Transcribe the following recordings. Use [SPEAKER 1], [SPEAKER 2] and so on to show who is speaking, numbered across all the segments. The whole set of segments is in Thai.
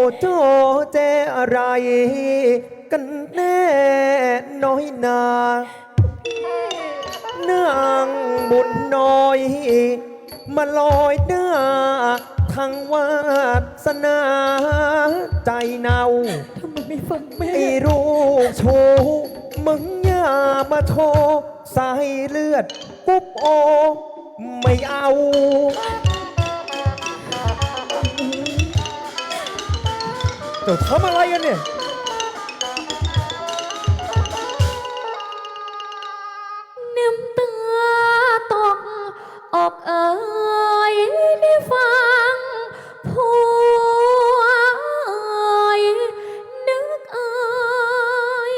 [SPEAKER 1] โจเจอะไรกันแน่น้อยนาเนื่องบุญน้อยมาลอยหน้าทางวาสนาใจเนา
[SPEAKER 2] ทำไมไม่ฟังแม่
[SPEAKER 1] ไอ้รูปโชว์มึงอย่ามาโชว์สายเลือดปุ๊บโอไม่เอาเจ้าทำอะไรกันเนี่ย
[SPEAKER 2] น้ำตาตกออกเอ่ยได้ฟังผัวเอ่ยนึกเอ่ย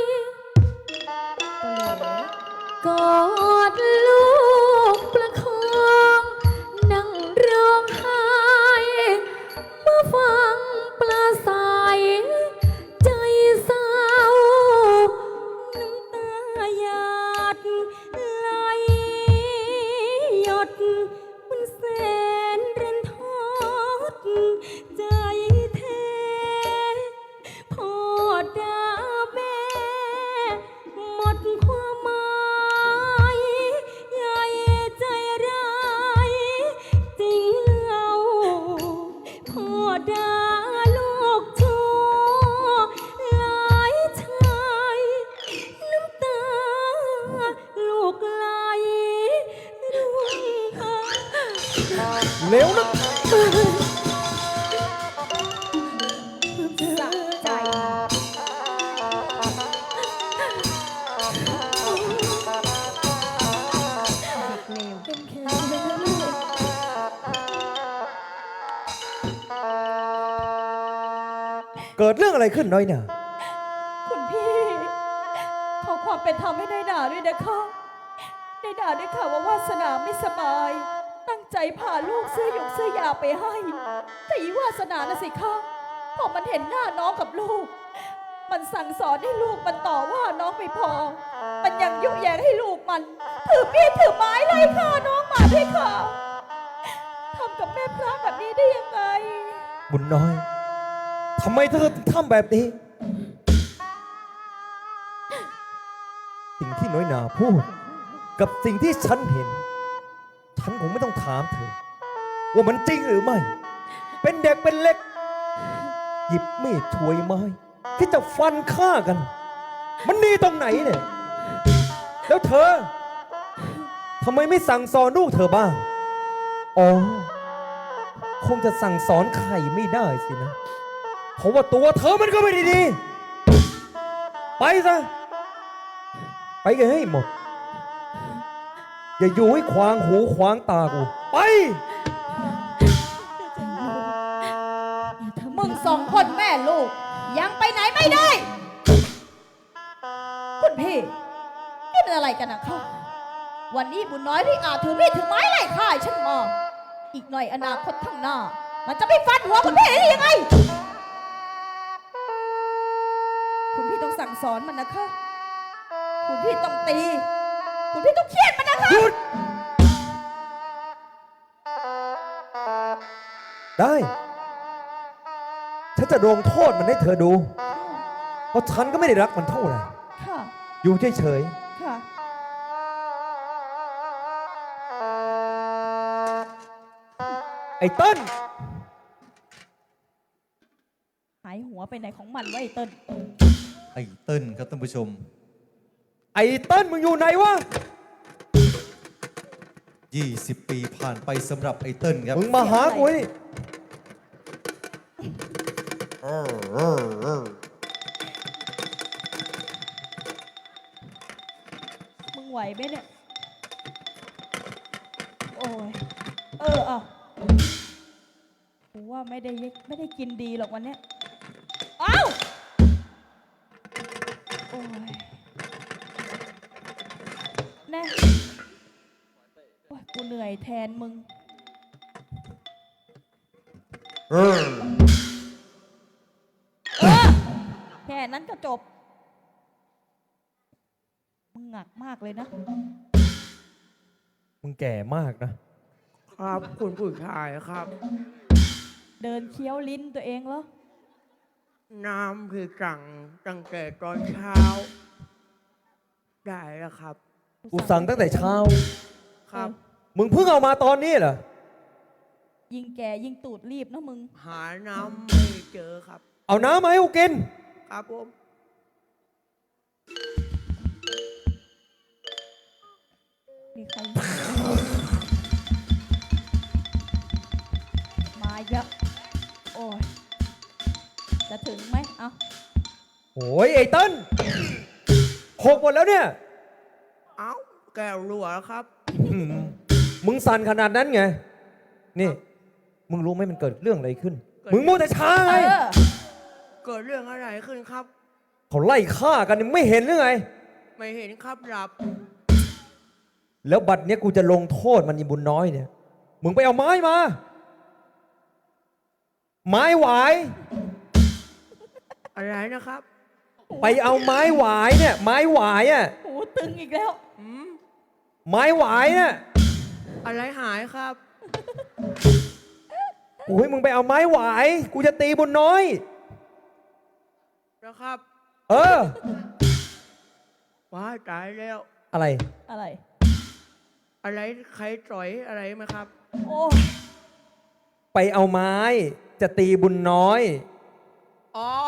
[SPEAKER 2] กอดลูกประคองนั่งร้องไห้เมื่อฟังปลาใสใจเศร้าน้ำตาหยาดไหลหยดมันแสนรันทดใจแท้พ่อด่าแม่หมดความหมายใหญ่ใจร้ายจริงเล่าพ่อด่าลูกชั่วหลายชายน้ำตาลูกไหลร่วง
[SPEAKER 1] เร็วนะ
[SPEAKER 2] สะใจ เป็นแค่ลูก
[SPEAKER 1] เกิดเรื่องอะไรขึ้นน้อยหนา
[SPEAKER 2] คุณพี่ขอความเป็นธรรมให้ได้ด่าด้วยนะคะได้ด่าด้วยค่ะว่าวาสนาไม่สบาย ตั้งใจพาลูกซื้อหยกซื้อยาไปให้แต่อีวาสนาน่ะสิคะพอมันเห็นหน้าน้องกับลูก มันสั่งสอนให้ลูกมันต่อว่าน้องไม่พอ มันยังยุแยงให้ลูกมันถือมีดถือไม้ไล่ฆ่าน้องมาด้วยค่ะทำกับแม่พระแบบนี้ได้ยังไง
[SPEAKER 1] บุญน้อยทำไมเธอถึงทำแบบนี้ สิ่งที่น้อยหนาพูด กับสิ่งที่ฉันเห็น ฉันคงไม่ต้องถามเธอ ว่ามันจริงหรือไม่ เป็นเด็กเป็นเล็ก หยิบมีดช่วยไม้ ที่จะฟันฆ่ากัน มันดีตรงไหนเนี่ย แล้วเธอทำไมไม่สั่งสอนลูกเธอบ้าง อ๋อ คงจะสั่งสอนใครไม่ได้สินะ เพราะว่าตัวเธอมันก็ไม่ได้ดี ไปซะ ไปกันให้หมด อย่าอยู่ให้ขวางหูขวางตากู ไป
[SPEAKER 2] มึงสองคนแม่ลูก ยังไปไหนไม่ได้ คุณพี่นี่เป็นอะไรกันนะคะวันนี้บุญน้อยที่อาจถือมีดถือไม้ไล่ฆ่าฉันมาอีกหน่อยอนาคตข้างหน้า มันจะไม่ฟันหัวคุณพี่ได้ยังไง คุณพี่ต้องสั่งสอนมันนะคะ คุณพี่ต้องตี คุณพี่ต้องเคี่ยนมันนะคะ
[SPEAKER 1] หยุด ได้ ฉันจะลงโทษมันให้เธอดู เพราะฉันก็ไม่ได้รักมันเท่าไหร่
[SPEAKER 2] ค่ะ
[SPEAKER 1] อยู่เฉย
[SPEAKER 2] ค่ะ
[SPEAKER 1] ๆ ไอ้เต้น
[SPEAKER 2] หายหัวไปไหนของมันวะไอ้เติ้ล
[SPEAKER 3] ไอ้เติ้ลครับท่านผู้ชม
[SPEAKER 1] ไอ้เต้นมึงอยู่ไหนวะ
[SPEAKER 3] 20 ปีผ่านไปสำหรับไอ้เติ้ลครับ
[SPEAKER 1] มึงมาหากูนี่
[SPEAKER 2] มึงไหวไหมเนี่ย โอ้ย เอากูว่าไม่ได้กินดีหรอกวันเนี้ยเอ้าโอ้ยแน่โอ้ยกูเหนื่อยแทนมึง แค่นั้นก็จบ มึงหงักมากเลยนะ
[SPEAKER 1] มึงแก่มากนะ
[SPEAKER 4] ครับคุณผู้ชายครับ
[SPEAKER 2] เดินเคี้ยวลิ้นตัวเองเหรอ
[SPEAKER 4] น้ำที่สั่งตั้งแต่ตอนเช้า ได้แล้วครับ
[SPEAKER 1] กูสั่งตั้งแต่เช้า
[SPEAKER 4] ครับ
[SPEAKER 1] มึงเพิ่งเอามาตอนนี้เหรอ
[SPEAKER 2] ยิงแก่ยิงตูดรีบเนอะมึง
[SPEAKER 4] หาน้ำไม่เจอครับ
[SPEAKER 1] เอาน้ำมาให้กูกิน
[SPEAKER 4] ครับผม
[SPEAKER 2] มีใครมาเยอะโอ้ยจะถึงไหมเอา
[SPEAKER 1] โอ้ยไอ้เติ้ลหกหมดแล้วเนี่ย
[SPEAKER 4] เอ้าแก้วรั่วแล้วครับ
[SPEAKER 1] อืมมึงสั่นขนาดนั้นไง นี่ มึงรู้ไหมมันเกิดเรื่องอะไรขึ้น มึงมัวแต่ช้าไง
[SPEAKER 2] เออ
[SPEAKER 4] เกิดเรื่องอะไรขึ้นครับ
[SPEAKER 1] เขาไล่ฆ่ากันนี่ไม่เห็นหรือไง
[SPEAKER 4] ไม่เห็นครับหลับ
[SPEAKER 1] แล้วบัดเนี้ยกูจะลงโทษมันอีบุญน้อยเนี่ย มึงไปเอาไม้มา ไม้หวาย
[SPEAKER 4] อะไรนะครับ
[SPEAKER 1] ไปเอาไม้หวายเนี่ย ไม้หวายอ่ะ
[SPEAKER 2] หูตึงอีกแล้ว
[SPEAKER 4] อืม
[SPEAKER 1] ไม้หวายเนี่ย
[SPEAKER 4] อะไรหายครับ
[SPEAKER 1] โอ้ยมึงไปเอาไม้หวาย กูจะตีบุญน้อย
[SPEAKER 4] นะครับ
[SPEAKER 1] เออ
[SPEAKER 4] ว้ายตายแล้ว
[SPEAKER 1] อะไร
[SPEAKER 2] อะไร
[SPEAKER 4] อะไรใครต่อยอะไรไหมครับ
[SPEAKER 2] โอ้
[SPEAKER 1] ไปเอาไม้จะตีบุญน้อย
[SPEAKER 4] อ๋อ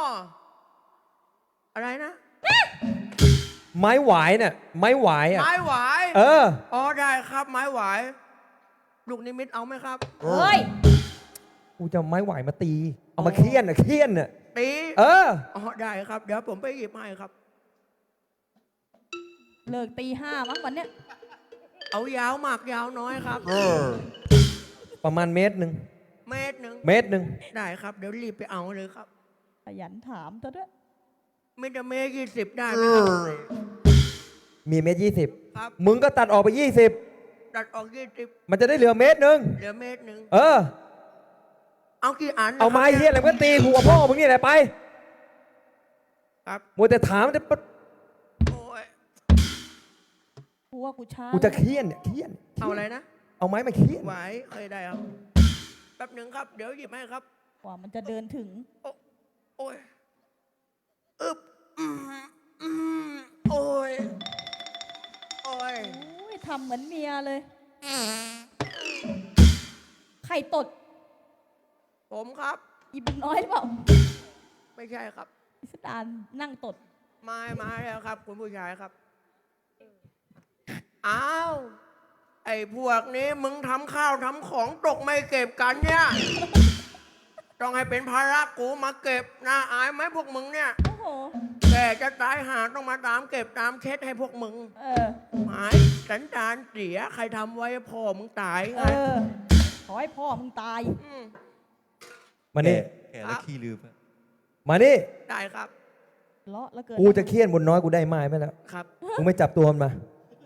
[SPEAKER 4] อะไรนะ
[SPEAKER 1] ไม้หวายเนี่ย ไม้หวายอ่ะ
[SPEAKER 4] ไม้หวาย
[SPEAKER 1] เออ
[SPEAKER 4] อ๋อได้ครับ ไม้หวาย ลูกนิมิตเอาไหมครับ
[SPEAKER 2] เฮ้ย
[SPEAKER 1] กูจะเอาไม้หวายมาตี เอามาเคี่ยนอ่ะเคี่ยนอ่ะ
[SPEAKER 4] ตี
[SPEAKER 1] เออ
[SPEAKER 4] อ๋อได้ครับ เดี๋ยวผมไปหยิบให้ครับ
[SPEAKER 2] เลิกตี 5มั้งวันเนี้ย
[SPEAKER 4] เอายาวมากยาวน้อยครับ
[SPEAKER 1] ประมาณเมตรหนึ่ง
[SPEAKER 4] เมตรหนึ่ง
[SPEAKER 1] เมตรหนึ่ง
[SPEAKER 4] ได้ครับ เดี๋ยวรีบไปเอาเลยครับ
[SPEAKER 2] ขยันถามซะด้วย
[SPEAKER 4] มิตรเมตร20 ได้ไหมครับ
[SPEAKER 1] มีเมตร20
[SPEAKER 4] ครับ
[SPEAKER 1] มึงก็ตัดออกไป
[SPEAKER 4] ตัดออก
[SPEAKER 1] 20 มันจะได้เหลือเมตรหนึ่ง
[SPEAKER 4] เหลือเมตรหนึ่ง
[SPEAKER 1] เออ
[SPEAKER 4] เอากี่อันนะครับ
[SPEAKER 1] เอาไม้เฮี้ยอะไรมึงก็ตีหัวพ่อมึงนี่แหละไป
[SPEAKER 4] ครับ
[SPEAKER 1] มัวแต่ถามจะ
[SPEAKER 4] โอ้ย
[SPEAKER 2] กูว่ากูช้า
[SPEAKER 1] กูจะเคี่ยนเนี่ยเคี่ยน
[SPEAKER 4] เอาอะไรนะ
[SPEAKER 1] เอาไม้มาเคี่ยน
[SPEAKER 4] ไหวเคยได้ครับ แป๊บหนึ่งครับ เดี๋ยวหยิบให้ครับ
[SPEAKER 2] กว่ามันจะเดินถึง
[SPEAKER 4] โอ้ยอึบโอ้ย โอ้ย
[SPEAKER 2] โอ้ยทำเหมือนเมียเลย ใครตด
[SPEAKER 4] ผมครับ
[SPEAKER 2] อีบุญน้อยหรือเปล่า
[SPEAKER 4] ไม่ใช่ครับ
[SPEAKER 2] พิสดารนั่งตด
[SPEAKER 4] มาแล้วครับ คุณผู้ชายครับ อ้าว ไอ้พวกนี้มึงทำข้าวทำของตกไม่เก็บกันเนี่ย ต้องให้เป็นภาระกูมาเก็บน่าอายไหมพวกมึงเนี่ย
[SPEAKER 2] โอ้โห
[SPEAKER 4] แกจะตายหาต้องมาตามเก็บตามเช็ดให้พวกมึง
[SPEAKER 2] เออ
[SPEAKER 4] หายสันดานเสียใครทำไว้พ่อมึงตาย
[SPEAKER 2] เอ
[SPEAKER 4] ไง
[SPEAKER 2] อ ขอให้พ่อมึงตาย
[SPEAKER 4] ม
[SPEAKER 1] มานี่
[SPEAKER 3] แก่แล้วขี้ลืมอะ
[SPEAKER 1] มานี่
[SPEAKER 4] ได้ครับ
[SPEAKER 2] เลาะแล้วเกิน
[SPEAKER 1] กูจะเคี่ยนบุญน้อยกูได้ไม้ไปแล้ว
[SPEAKER 4] ครับ
[SPEAKER 1] มึงไม่จับตัวมันมา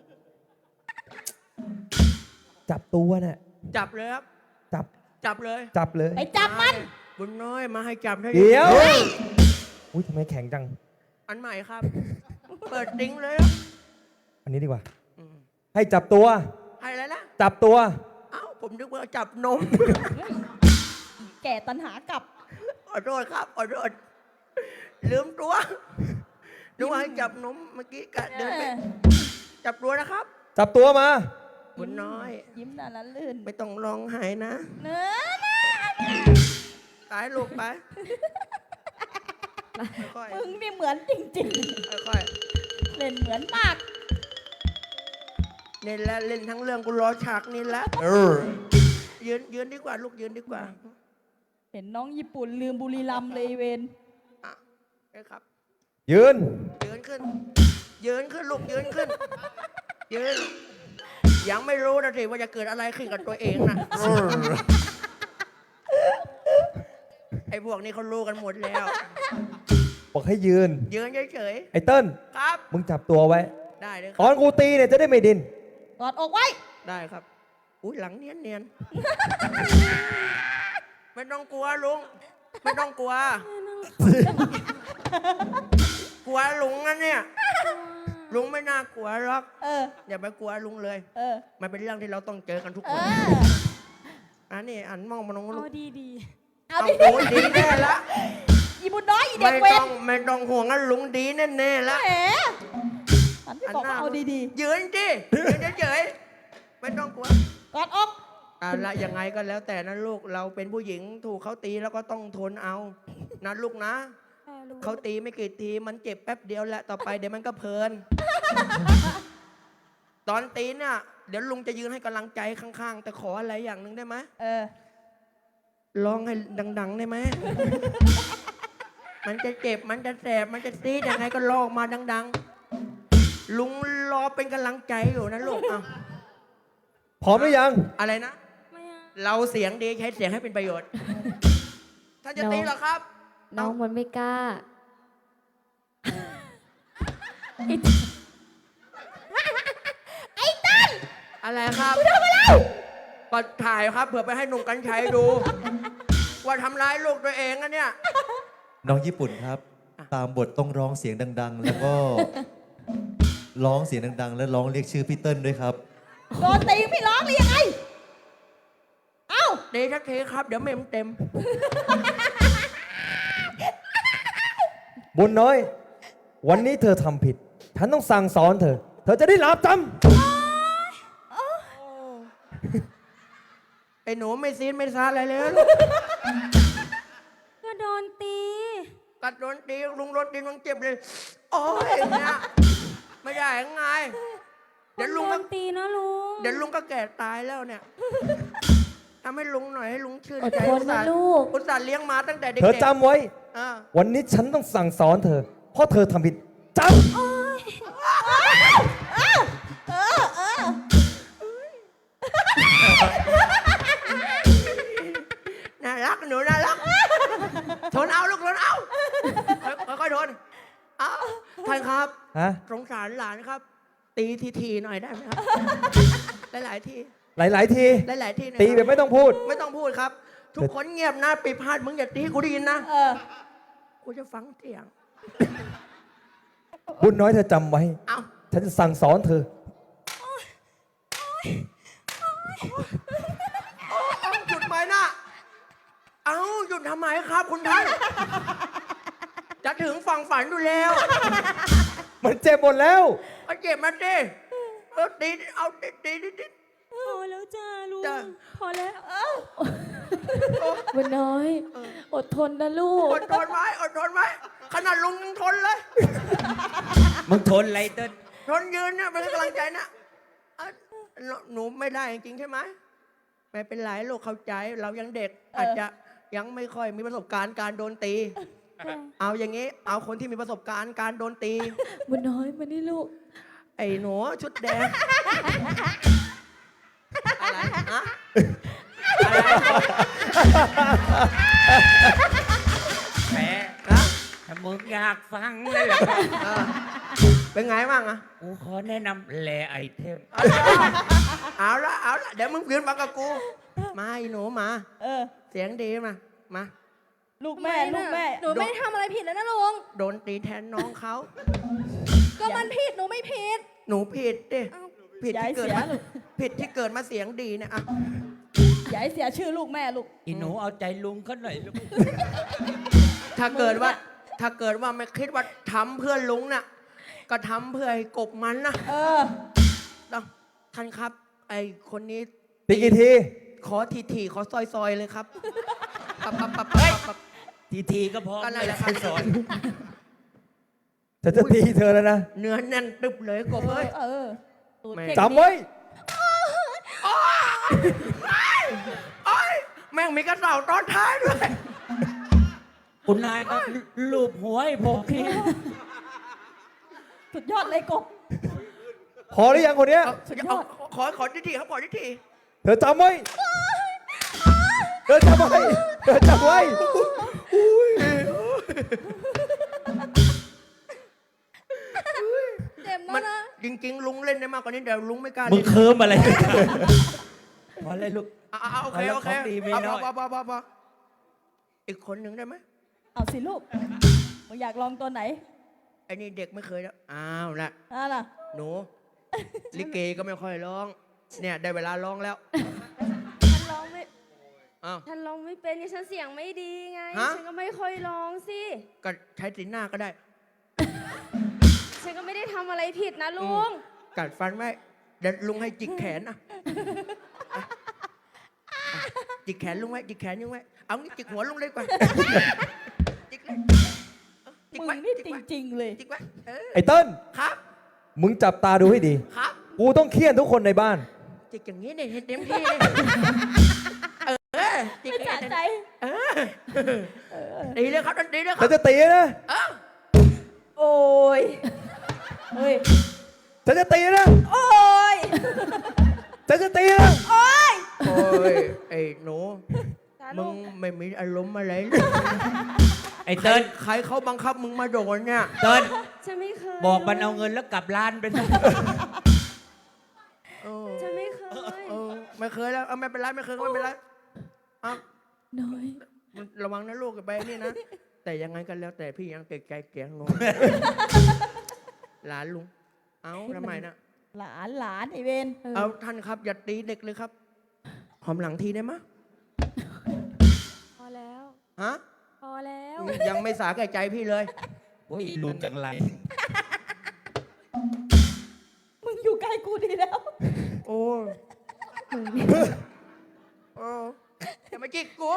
[SPEAKER 1] จับตัวน่ะ
[SPEAKER 4] จับเลยครับ
[SPEAKER 1] จับ
[SPEAKER 4] จับเลย
[SPEAKER 1] จับเลย
[SPEAKER 2] ไปจับมัน
[SPEAKER 4] บุญน้อยมาให้จับได้
[SPEAKER 1] เดี๋ยว
[SPEAKER 2] เฮ้ย
[SPEAKER 1] อุ้ยทำไมแข็งจัง
[SPEAKER 4] อันใหม่ครับ เปิดติ้งเลยครับ
[SPEAKER 1] อันนี้ดีกว่า
[SPEAKER 4] อืม
[SPEAKER 1] ให้จับตัว
[SPEAKER 4] ให้แล้วนะ
[SPEAKER 1] จับตัว
[SPEAKER 4] เอ้าผมนึกว่าจับนม
[SPEAKER 2] แก่ตันหากลับ
[SPEAKER 4] ขอโทษครับขอโทษลืมตัวนึกว่าให้จับนมเมื่อกี้กะเดินไปจับตัวนะครับ
[SPEAKER 1] จับตัวมา
[SPEAKER 4] บุญน้อย
[SPEAKER 2] ยิ้มน่าละลื่น
[SPEAKER 4] ไม่ต้องร้องไห้นะ
[SPEAKER 2] เนื้อ
[SPEAKER 4] ตายลูกไปค่อย
[SPEAKER 2] มึงนี่เหมือนจริง
[SPEAKER 4] ๆค่อย
[SPEAKER 2] ๆ เล่นเหมือนมาก
[SPEAKER 4] ๆเล่นแล้วเล่นทั้งเรื่องกูรอฉากนี้แล้วยืนดีกว่าลูกยืนดีกว่า
[SPEAKER 2] เห็นน้องญี่ปุ่นลืมบุรีรัมย์เลยเวน
[SPEAKER 4] อ่ะได้ครับ
[SPEAKER 1] ยืน
[SPEAKER 4] ยืนขึ้น ยืนขึ้นลูกยืนขึ้น ยืน ยังไม่รู้นะสิว่าจะเกิดอะไรขึ้นกับตัวเองนะไอ้พวกนี้เขารู้กันหมดแล้ว
[SPEAKER 1] บอกให้ยืน
[SPEAKER 4] ยืนเฉย
[SPEAKER 1] ไอ้เติ้ล
[SPEAKER 4] ๆครับ
[SPEAKER 1] มึงจับตัวไว้
[SPEAKER 4] ได้เลยค
[SPEAKER 1] ต
[SPEAKER 4] รั
[SPEAKER 1] อบ นกูตีเนี่ยจะได้ไม่ดิน
[SPEAKER 2] กอดอกไว้
[SPEAKER 4] ได้ครับอุ้ยหลังเนียนไม่ต้องกลัวลุงไม่ต้องกลัว กลัวลุงนะเนี่ย ลุงไม่น่ากลัวหรอก
[SPEAKER 2] เออ
[SPEAKER 4] อย่าไปกลัวลุงเลย
[SPEAKER 2] เออ
[SPEAKER 4] มันเป็นเรื่องที่เราต้องเจอกันทุก
[SPEAKER 2] เอ
[SPEAKER 4] คน
[SPEAKER 2] อ
[SPEAKER 4] อันนี้อันมองมาน้องลูก
[SPEAKER 2] เอา
[SPEAKER 4] เอา
[SPEAKER 2] ดิ
[SPEAKER 4] โอ้ยดีแน่ละ
[SPEAKER 2] อีบุญน้อยเด็
[SPEAKER 4] ไม่
[SPEAKER 2] กเว
[SPEAKER 4] ต้
[SPEAKER 2] ร
[SPEAKER 4] องไม่ต้องห่วงนะลุงดีแน่ๆแล้ว
[SPEAKER 2] แหมฉันไม่บอกว่าเอาดี
[SPEAKER 4] ยืนดิยืนเฉยๆไม่ต้องกลัว
[SPEAKER 2] ๆกอดอก
[SPEAKER 4] ละยังไงก็แล้วแต่นะลูกเราเป็นผู้หญิงถูกเขาตีแล้วก็ต้องทนเอานะลูกนะเขาตีไม่กี่ทีมันเจ็บแป๊บเดียวแหละต่อไปเดี๋ยวมันก็เพลิน ตอนตีเนี่ยเดี๋ยวลุงจะยืนให้กำลังใจข้างๆ แต่ขออะไรอย่างหนึ่งได้ไหม
[SPEAKER 2] เออ
[SPEAKER 4] ร้องให้ดังๆได้ไหม มันจะเจ็บมันจะแสบมันจะซีดยังไงก็ร้องมาดังๆ ลุงรอเป็นกำลังใจอยู่นะลูกอ่ะ
[SPEAKER 1] พร้อมหรือยัง
[SPEAKER 4] อะไรนะ เราเสียงดีใช้เสียงให้เป็นประโยชน์ ถ้าจะตีเหรอครับ
[SPEAKER 2] น้องมันไม่กล้า
[SPEAKER 4] อะไรครับก็ถ่ายครับเผื่อไปให้หนุ่มกัญชัยดู ว่าทำร้ายลูกตัวเองอะเนี่ย
[SPEAKER 3] น้องญี่ปุ่นครับ ตามบทต้องร้องเสียงดัง ๆ แล้วก็ ร้องเสียงดัง ๆ แล้วร้องเรียกชื่อพี่เติ้ลด้วยครับ
[SPEAKER 2] โดนตีไม่ร้องหรือยังไง เอ้า
[SPEAKER 4] ดีทักทีครับ เดี๋ยวเมมเต็ม
[SPEAKER 1] บุญน้อย วันนี้เธอทำผิด ฉันต้องสั่งสอนเธอ เธอจะได้รับจ
[SPEAKER 4] ไอ้หนูไม่ซีนไม่ซาอะไรเลยลูก
[SPEAKER 2] ก็โดนตี
[SPEAKER 4] กัดโดนตีลุงโดนตีลุงเจ็บเลย โอ้ยเนี่ยไม่ได้ยังไง เดี๋ยวลุง
[SPEAKER 2] โด
[SPEAKER 4] ก็
[SPEAKER 2] นตีนะลุง
[SPEAKER 4] เดี๋ยวลุงก็แก่ตายแล้วเนี่ยทำให้ลุงหน่อยให้ลุงชื่น
[SPEAKER 2] อด
[SPEAKER 4] ใจ
[SPEAKER 2] ทนนะลูก
[SPEAKER 4] อุตส่าห์เลี้ยงมาตั้งแต่เด็
[SPEAKER 1] ำ
[SPEAKER 4] ก
[SPEAKER 1] เธอจำไว้
[SPEAKER 4] อ่า
[SPEAKER 1] วันนี้ฉันต้องสั่งสอนเธอ เพราะเธอทำผิดจ
[SPEAKER 4] น่ารักหนูน่ารักทนเอาลูกทนเอาค่อยๆทนเอาท่านครับ
[SPEAKER 1] ำฮะ
[SPEAKER 4] สงสารหลานครับ ตีทีๆหน่อยได้ไหมครับ หลายๆที
[SPEAKER 1] หลาย ๆ ที
[SPEAKER 4] หลายๆทีหน่อย
[SPEAKER 1] ตี
[SPEAKER 4] ค
[SPEAKER 1] แบ
[SPEAKER 4] รับบ
[SPEAKER 1] ไม่ต้องพูด
[SPEAKER 4] ไม่ต้องพูดครับ ทุกคนเงียบนะปิดพาดมึงอย่าตีกูได้ยินนะ
[SPEAKER 2] เออ
[SPEAKER 4] กูจะฟังเสียง
[SPEAKER 1] บุญน้อยเธอจำไว้
[SPEAKER 4] เอา
[SPEAKER 1] ฉันจะสั่งสอนเธอ
[SPEAKER 4] เอาหยุดไหมนะเอาหยุดทำไมครับคุณท่าน จะถึงฝั่งฝันอยู่แล้ว
[SPEAKER 1] มันเจ็บหมดแล้ว
[SPEAKER 4] เอาเจ็บมาดิตีเอาตี
[SPEAKER 2] พอแล้วจ้าลุง
[SPEAKER 4] จ้ะ
[SPEAKER 2] พอแล้วบุญน้อย อดทนนะลูก
[SPEAKER 4] อดทนไว้อดทนไว้ขนาดลุงยังทนเลย
[SPEAKER 5] มึงทนอะไรเติ้ล
[SPEAKER 4] ทนยืนเนี่ยเป็นกำลังใจนะอ่ะหนูไม่ได้จริงๆใช่ไหมไม่เป็นไรลูกเข้าใจเรายังเด็ก อาจจะยังไม่ค่อยมีประสบการณ์การโดนตี เอาอย่างนี้ เอาคนที่มีประสบการณ์การโดนตี
[SPEAKER 2] บุญน้อยมานี่ลูก
[SPEAKER 4] ไอ้หนูชุดแดง อะไรฮะอะไร
[SPEAKER 5] แหม
[SPEAKER 4] ฮะ
[SPEAKER 5] ถ้ามึงอยากฟังเลยเหรอ
[SPEAKER 4] เออเป็นไงบ้างอะ
[SPEAKER 5] กูขอแนะนำแลไอเทม
[SPEAKER 4] เอาละเดี๋ยวมึงยืนมากับกู มาไอ้หนูมา
[SPEAKER 2] เออ
[SPEAKER 4] เสียงดีมา
[SPEAKER 2] ลูกแม่ ลูกแม่
[SPEAKER 6] หนูไม่ได้ทำอะไรผิดแล้วนะลุง
[SPEAKER 4] โดนตีแทนน้องเขา
[SPEAKER 6] ก็มันผิด หนูไม่ผิด
[SPEAKER 4] หนูผิดดิ
[SPEAKER 6] เอ้า
[SPEAKER 4] ผิด
[SPEAKER 2] อย่าให้
[SPEAKER 4] ที่เกิด
[SPEAKER 2] เสีย
[SPEAKER 4] มา
[SPEAKER 2] ลูก
[SPEAKER 4] ผิดที่เกิดมาเสียงดีเนี่ยอะ
[SPEAKER 2] อย่าให้เสียชื่อลูกแม่ลูก
[SPEAKER 5] อีหนูเอาใจลุงเขาหน่อยลูก
[SPEAKER 4] ถ้าเกิดว่าไม่คิดว่าทำเพื่อลุงน่ะ ก็ทำเพื่อให้กบมันนะ
[SPEAKER 2] เออ
[SPEAKER 4] ท่านครับ ไอคนนี้
[SPEAKER 1] ตีกี่ที
[SPEAKER 4] ขอทีขอซอยเลยครับปับ
[SPEAKER 5] ทีก็พอ
[SPEAKER 4] ก็นั่นแหละ
[SPEAKER 5] ไม่สอน
[SPEAKER 1] ฉันจะตีเธอแล้วนะ
[SPEAKER 4] เนื้อแน่นตึบเลยกบเอ้ย
[SPEAKER 2] เออตูด
[SPEAKER 4] แม่
[SPEAKER 2] เข่ง
[SPEAKER 1] จำไว้
[SPEAKER 4] โอ้ยแม่งมีกระเสาตอนท้ายด้วย
[SPEAKER 5] คุณนายก็ลูบหัวให้ผมที
[SPEAKER 2] สุดยอดเลยกบ
[SPEAKER 1] พอหรือยังคนเนี้ย
[SPEAKER 4] ขอทีครับขอที
[SPEAKER 1] เธอจำไว้ เธอจำไว้ เธอจำไว้
[SPEAKER 6] เจ็บ
[SPEAKER 4] มั
[SPEAKER 6] มาน กนะ
[SPEAKER 4] จริงๆ ลุงเล่นได้มากกว่านี้แต่ลุงไม่กล้า
[SPEAKER 5] มึง
[SPEAKER 4] เล่น
[SPEAKER 5] เคิมอะไรพอเลยลูก
[SPEAKER 4] โอเค
[SPEAKER 5] เอาของดีมีน้อย
[SPEAKER 4] พออีกคนหนึ่งได้ไหม
[SPEAKER 2] เอาสิลูกมึงอยากลองตัวไหน
[SPEAKER 4] ไอ้นี่เด็กไม่เคยแล้วอ้าวนะ
[SPEAKER 2] อ่ะล่ะ
[SPEAKER 4] หนู ลิเกก็ไม่ค่อยร้อง เนี่ยได้เวลาร้องแล้ว
[SPEAKER 2] ฉันร้องไม่
[SPEAKER 4] อ้าว
[SPEAKER 6] ฉันร้องไม่เป็นไงฉันเสียงไม่ดีไง
[SPEAKER 4] ฮะ
[SPEAKER 6] ฉันก็ไม่ค่อยร้องสิ
[SPEAKER 4] ก็ใช้สีหน้าก็ได้
[SPEAKER 6] ฉันก็ไม่ได้ทำอะไรผิดนะลุง
[SPEAKER 4] กัดฟันไว้เดี๋ยวลุงให้จิกแขนอ่ะจิกแขนลุงไว้จิกแขนลุงไว้เอางี้จิกหัวลุงเลยดีกว่าจิกเลยจิก
[SPEAKER 7] มึ
[SPEAKER 4] ไว้
[SPEAKER 7] งนี่
[SPEAKER 4] จิก
[SPEAKER 7] จ
[SPEAKER 4] ไว้
[SPEAKER 7] ริง ๆ เลย
[SPEAKER 4] จิกไว้
[SPEAKER 1] ไอ้เติ้ล
[SPEAKER 4] ครับ
[SPEAKER 1] มึงจับตาดูให้ดี
[SPEAKER 4] ครับ
[SPEAKER 1] กูต้องเคี่ยนทุกคนในบ้าน
[SPEAKER 4] จิกอย่างนี้เนี่ยเห็นเต็มที่เลยจิก
[SPEAKER 7] ไม่สะใจ
[SPEAKER 4] ดีเลยครับดีเลยค
[SPEAKER 1] ฉั
[SPEAKER 4] รั
[SPEAKER 1] น
[SPEAKER 4] บ
[SPEAKER 1] จะตีนะ
[SPEAKER 7] โอ้ย เฮ้ย
[SPEAKER 1] ฉันจะตีนะ
[SPEAKER 7] โอ้ย
[SPEAKER 1] ฉันจะตีนะ
[SPEAKER 4] โอ้ยไอ้หนูมึงไม่มีอารมณ์อะไรเลย
[SPEAKER 5] ไอ้เติ้ล
[SPEAKER 4] ใครเขาบังคับมึงมาโดนเนี่ย
[SPEAKER 5] เติ้ล
[SPEAKER 6] ฉันไม่เคย
[SPEAKER 5] บอกมันเอาเงินแล้วกลับร้านไปซะ
[SPEAKER 4] เออ
[SPEAKER 6] ฉันไม่เคย
[SPEAKER 4] ไม่เคยแล้วไม่เป็นไรไม่เคยก็ไม่เป็นไรเอา
[SPEAKER 2] น้อย
[SPEAKER 4] ระวังนะลูกอย่าไปนี่นะ แต่ยังไงกันแล้วแต่พี่ยังเกรงใจเกรงงหลานลุง เอาทำไมนะ
[SPEAKER 7] หลานไอเวน
[SPEAKER 4] เอาท่านครับอย่าตีเด็กเลยครับหอมหลังทีได้ไหมย
[SPEAKER 6] พอแล้ว
[SPEAKER 4] ฮะ
[SPEAKER 6] พอแล้ว
[SPEAKER 4] ยังไม่สาแก่ใจพี่เลย
[SPEAKER 5] โอ้ยลุงจังไร
[SPEAKER 7] มึงอยู่ใกล้กูดีแล้ว
[SPEAKER 4] โอ้โอ้อย่ามาจิกกู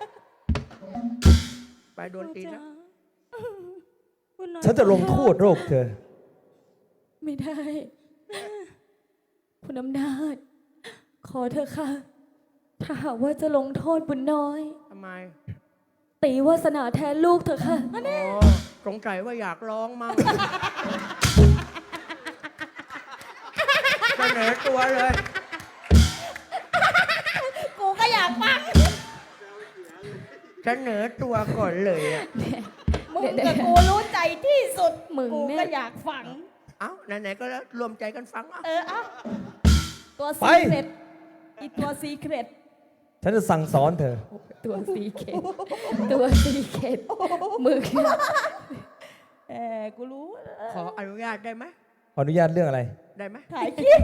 [SPEAKER 4] ไปโดนตีนะ
[SPEAKER 2] คุณน้อย
[SPEAKER 1] ฉันจะลงโทษโรคเธอ
[SPEAKER 2] ไม่ได้ คุณอำนาจ ขอเธอะค่ะ ถ้าหากว่าจะลงโทษบุญน้อย
[SPEAKER 4] ทำไม
[SPEAKER 2] ตีวาสนาแทนลูกเถอะค่ะ
[SPEAKER 4] อ๋อสงสัยว่าอยากร้องมั่งเสนอตัวเลย
[SPEAKER 7] กูก็อยากฟัง
[SPEAKER 4] เสนอตัวก่อนเลยอ่ะ
[SPEAKER 7] มึงกับกูรู้ใจที่สุด
[SPEAKER 2] มึง
[SPEAKER 7] กู
[SPEAKER 2] เนี่ย
[SPEAKER 7] ก็อยากฟัง
[SPEAKER 4] เอ้าไหนๆก็แล้วรวมใจกันฟังเอ่ะ
[SPEAKER 7] เอาตัว
[SPEAKER 1] ไป
[SPEAKER 7] ซีเครตอีตัวซีเครต
[SPEAKER 1] ฉันจะสั่งสอนเธอ
[SPEAKER 2] ตัวสีเข็ดตัวสีเข็ดมือขึ้น
[SPEAKER 7] กูรู้
[SPEAKER 4] ขออนุญาตได้ไหม
[SPEAKER 1] ขออนุญาตเรื่องอะไร
[SPEAKER 4] ได้ไหม
[SPEAKER 7] ถ่ายคลิป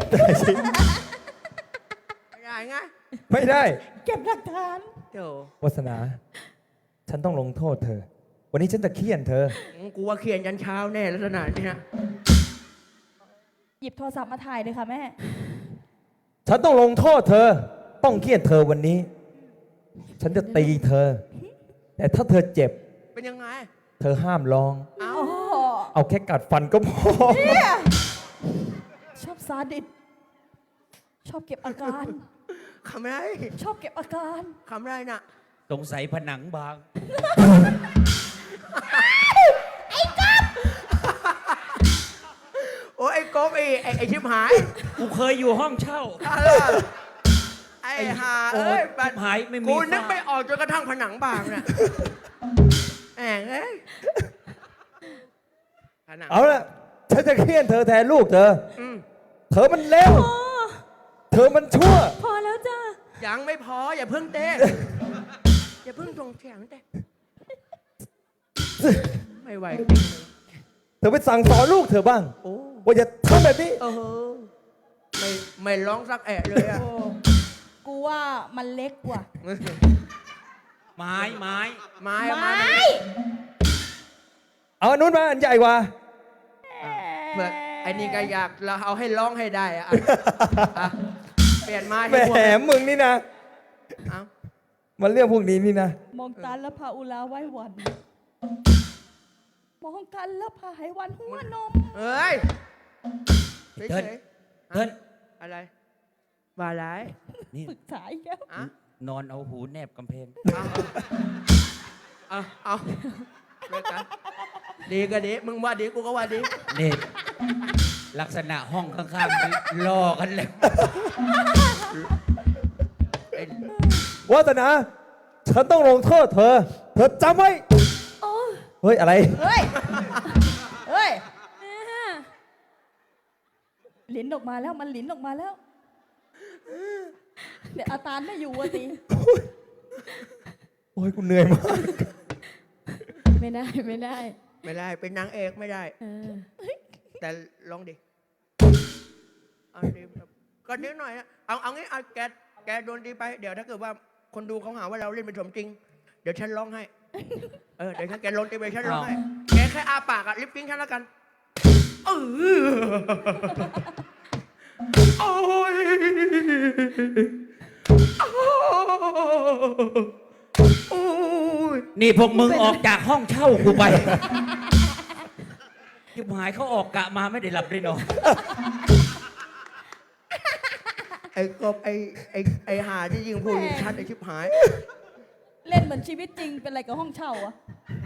[SPEAKER 4] ไม่ได้ไง
[SPEAKER 1] ไม่ได้
[SPEAKER 7] เก็บหลักฐาน
[SPEAKER 4] เดี๋ยว
[SPEAKER 1] วาสนา ฉันต้องลงโทษเธอ วันนี้ฉันจะเคี่ยนเธอ
[SPEAKER 4] กูว่าเขียนยันเช้าแน่ลักษณะนี้นะ
[SPEAKER 7] หยิบโทรศัพท์มาถ่ายเลยค่ะแม่
[SPEAKER 1] ฉันต้องลงโทษเธอ ต้องเคี่ยนเธอวันนี้ ฉันจะตีเธอ แต่ถ้าเธอเจ็บ
[SPEAKER 4] เป็นยังไง
[SPEAKER 1] เธอห้ามร้อง
[SPEAKER 4] เอ้า
[SPEAKER 1] เอาแค่กัดฟันก็พอ
[SPEAKER 7] ชอบซาดิสชอบเก็บอาการ
[SPEAKER 4] คำไร
[SPEAKER 7] ชอบเก็บอาการ
[SPEAKER 4] คำไรน่ะ
[SPEAKER 5] สงสัยผนังบาง
[SPEAKER 4] โอ้ยไอ้กบไอ้ชิบหาย
[SPEAKER 5] กูเคยอยู่ห้องเช่า
[SPEAKER 4] ไอ้ห่าเอ้ย
[SPEAKER 5] โอ้ยชิบหายไม่มี
[SPEAKER 4] กูนึก
[SPEAKER 5] ฝ้า
[SPEAKER 4] ไม่ออกจนกระทั่งผนังบางน่ะแหงเอ้ยผนัง
[SPEAKER 1] เอาละฉันจะเคี่ยนเธอแทนลูกเธอ
[SPEAKER 4] อืม
[SPEAKER 1] เธอมันเลวเธอมันชั่ว
[SPEAKER 2] พอแล้วจ้า
[SPEAKER 4] ยังไม่พออย่าเพิ่งเต้อย่าเพิ่งส่งเสียงเต้ไม่ไหวจริงเลย
[SPEAKER 1] เธอไปสั่งสอนลูกเธอบ้าง
[SPEAKER 4] โอ้
[SPEAKER 1] ว่าอย่าทำแบบนี้
[SPEAKER 4] เออไม่ร้องสักแอะเลยอ่ะ
[SPEAKER 7] กูว่ามันเล็กกว่า
[SPEAKER 5] ไม้
[SPEAKER 4] ไม้
[SPEAKER 7] ไม้
[SPEAKER 1] เอาอันนู้นมาอันใหญ่กว่า
[SPEAKER 4] เพื่อไอ้นี่ก็อยากเราเอาให้ร้องให้ได้อะอ่ะเปลี่ยนไม้
[SPEAKER 1] แห
[SPEAKER 4] ให้พวก
[SPEAKER 1] มมึงนี่นะ
[SPEAKER 4] เอา
[SPEAKER 1] มันเรื่องพวกนี้นี่นะ
[SPEAKER 7] มองกันแล้วพาอุลาไหว้หวัน มองกันแล้วพาไหหวันหัวนม
[SPEAKER 4] เอ้ยเฉ
[SPEAKER 5] เติ้ล
[SPEAKER 4] ย
[SPEAKER 5] เติ้ล
[SPEAKER 4] ๆอะไรว่าอะไร
[SPEAKER 5] นี่
[SPEAKER 7] ปรึกษาอีกแล้ว
[SPEAKER 4] อ่ะ
[SPEAKER 5] นอนเอาหูแนบกำแพง
[SPEAKER 4] เอาเลยกันดีก็ดีมึงว่าดีกูก็ว่าดี
[SPEAKER 5] นี่ลักษณะห้องข้างๆมันล่อกันเลย
[SPEAKER 4] ไอ้
[SPEAKER 1] วาสนา ฉันต้องลงโทษเธอ เธอจำไว้
[SPEAKER 2] โอ้
[SPEAKER 1] เฮ้ย อะไร
[SPEAKER 7] เฮ้ย เฮ้ย
[SPEAKER 2] แม่
[SPEAKER 7] ลิ้นออกมาแล้ว มันลิ้นออกมาแล้ว เดี๋ยวอาตานไม่อยู่วะตี
[SPEAKER 1] โอ้ยกูเหนื่อยมาก
[SPEAKER 2] ไม่ได้ไม่ได้
[SPEAKER 4] ไม่ได้เป็นนางเอกไม่ได้
[SPEAKER 2] เออ
[SPEAKER 4] แต่ลองดิเอาดีก็นิดหน่อยนะเอางี้เอาแกโดนดีไปเดี๋ยวถ้าเกิดว่าคนดูเขาหาว่าเราเล่นเป็นสมจริง เดี๋ยวฉันร้องให้ เดี๋ยวฉันแกลนเต็มเลยฉันร้องให้ แกแค่อาปากอะลิปปิ้งฉันแล้วกันเออโอ้ยโอ้ย
[SPEAKER 5] นี่พวกมึงออกจากห้องเช่ากูไปยิบหายเขาออกกะมาไม่ได้หลับได้นอน
[SPEAKER 4] ไอ้กบไอ้หาที่ยิงพูดยิงชัดไอ้ชิบหาย
[SPEAKER 7] เล่นเหมือนชีวิตจริงเป็นอะไรกับห้องเช่าอะ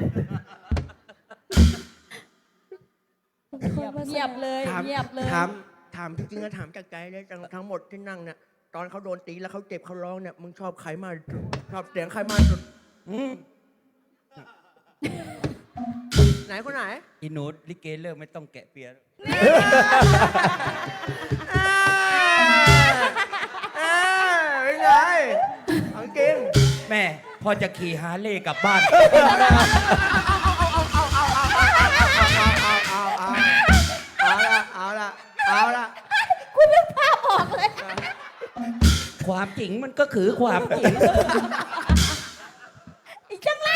[SPEAKER 7] เงียบเลย
[SPEAKER 4] ถาม
[SPEAKER 7] เงียบเลย
[SPEAKER 4] ถามจริงๆนะถามจากใจเลยทั้งหมดที่นั่งเนี่ยตอนเขาโดนตีแล้วเขาเจ็บเขาร้องเนี่ยมึงชอบใครมากที่สุดชอบเสียงใครมากที่สุดไหนคนไหน
[SPEAKER 5] อีหนูลิเกเลิกไม่ต้องแกะเปีย
[SPEAKER 4] เป็นไงเอาจริง
[SPEAKER 5] แม่พอจะขี่ฮาร์เลย์กลับบ้าน
[SPEAKER 4] เอาละ
[SPEAKER 7] คุณนึกภาพออกเลย
[SPEAKER 5] ความจริงมันก็คือความจริง
[SPEAKER 7] อีกจังไร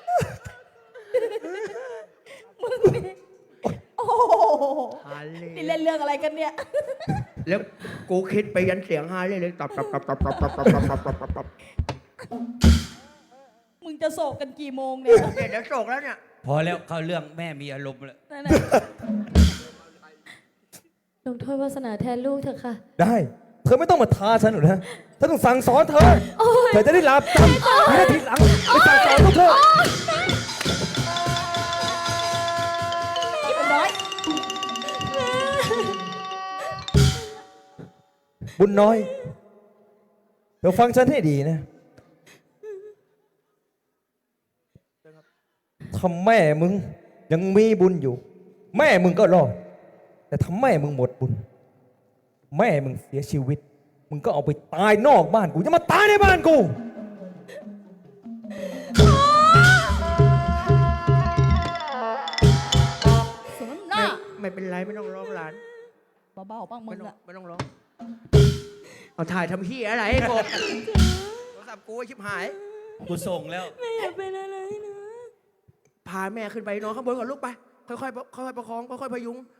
[SPEAKER 7] มึงนี่โอ้โห
[SPEAKER 4] ฮาร์เล
[SPEAKER 7] นี่
[SPEAKER 4] ย์
[SPEAKER 7] เล่นเรื่องอะไรกันเนี่ย
[SPEAKER 4] แล้วกูคิดไปยันเสียงฮาร์เลย์เลยตับ
[SPEAKER 7] มึงจะโศกกันกี่โมงเนี่ย
[SPEAKER 4] เดี๋ยวโศกแล้วเนี่ย
[SPEAKER 5] พอแล้วเข้าเรื่องแม่มีอารมณ์แล้ว
[SPEAKER 7] นั่นน่ะ
[SPEAKER 2] ลงโทษวาสนาแทนลูกเถอะค่ะ
[SPEAKER 1] ได้ เธอไม่ต้องมาท้าฉันหรอกนะฉันต้องสั่งสอนเธอ เธอจะได้หลับจำไม่ได้ทีหลังไปสั่งสอนพวกเธอ
[SPEAKER 7] นี่เป็นน้อย
[SPEAKER 1] บุญน้อย เธอฟังฉันให้ดีนะถ้าแม่มึงยังมีบุญอยู่ แม่มึงก็รอด แต่ถ้าแม่มึงหมดบุญ แม่มึงเสียชีวิต มึงก็เอาไปตายนอกบ้านกูจะมาตายในบ้านกู
[SPEAKER 7] สมน้ำหน้า
[SPEAKER 4] ไม่เป็นไรไม่ต้องร้องหลาน
[SPEAKER 7] เบาๆบ้างมึ
[SPEAKER 4] ไม่
[SPEAKER 7] ง
[SPEAKER 4] ต้อง
[SPEAKER 7] อะ
[SPEAKER 4] ไม่ต้องร้องเอาถ่ายทำพี่อะไรไอ้กบโทรศัพท์กูไอ้ชิบหาย
[SPEAKER 5] กูส่งแล้ว
[SPEAKER 2] ไม่อยากเป็นอะไรนะ
[SPEAKER 4] พาแม่ขึ้นไปนอนข้างบนก่อนลูกไป ค่อยๆประคองค่อยๆพยุง